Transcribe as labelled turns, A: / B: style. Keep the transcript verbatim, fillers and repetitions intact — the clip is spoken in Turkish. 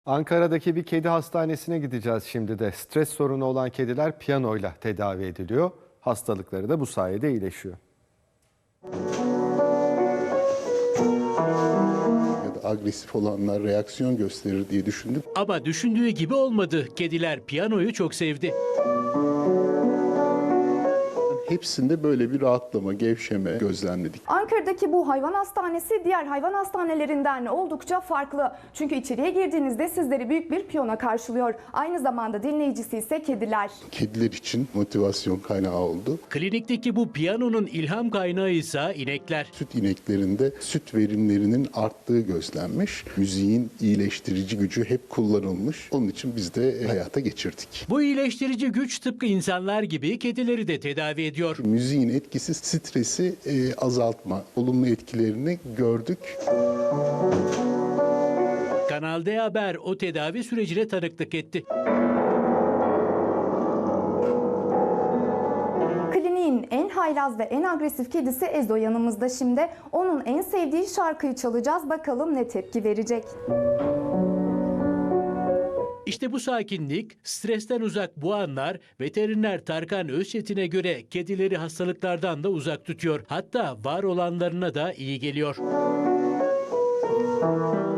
A: Ankara'daki bir kedi hastanesine gideceğiz şimdi de. Stres sorunu olan kediler piyanoyla tedavi ediliyor. Hastalıkları da bu sayede iyileşiyor.
B: Ya da agresif olanlar reaksiyon gösterir diye düşündüm.
C: Ama düşündüğü gibi olmadı. Kediler piyanoyu çok sevdi.
B: Hepsinde böyle bir rahatlama, gevşeme gözlemledik.
D: Ankara'daki bu hayvan hastanesi diğer hayvan hastanelerinden oldukça farklı. Çünkü içeriye girdiğinizde sizleri büyük bir piyano karşılıyor. Aynı zamanda dinleyicisi ise kediler.
B: Kediler için motivasyon kaynağı oldu.
C: Klinikteki bu piyanonun ilham kaynağı ise inekler.
B: Süt ineklerinde süt verimlerinin arttığı gözlenmiş. Müziğin iyileştirici gücü hep kullanılmış. Onun için biz de hayata geçirdik.
C: Bu iyileştirici güç tıpkı insanlar gibi kedileri de tedavi ediyor.
B: Müziğin etkisi stresi e, azaltma, olumlu etkilerini gördük.
C: Kanal D Haber o tedavi sürecine tanıklık etti.
D: Kliniğin en haylaz ve en agresif kedisi Ezo yanımızda şimdi. Onun en sevdiği şarkıyı çalacağız. Bakalım ne tepki verecek.
C: İşte bu sakinlik, stresten uzak bu anlar veteriner Tarkan Özçetin'e göre kedileri hastalıklardan da uzak tutuyor. Hatta var olanlarına da iyi geliyor.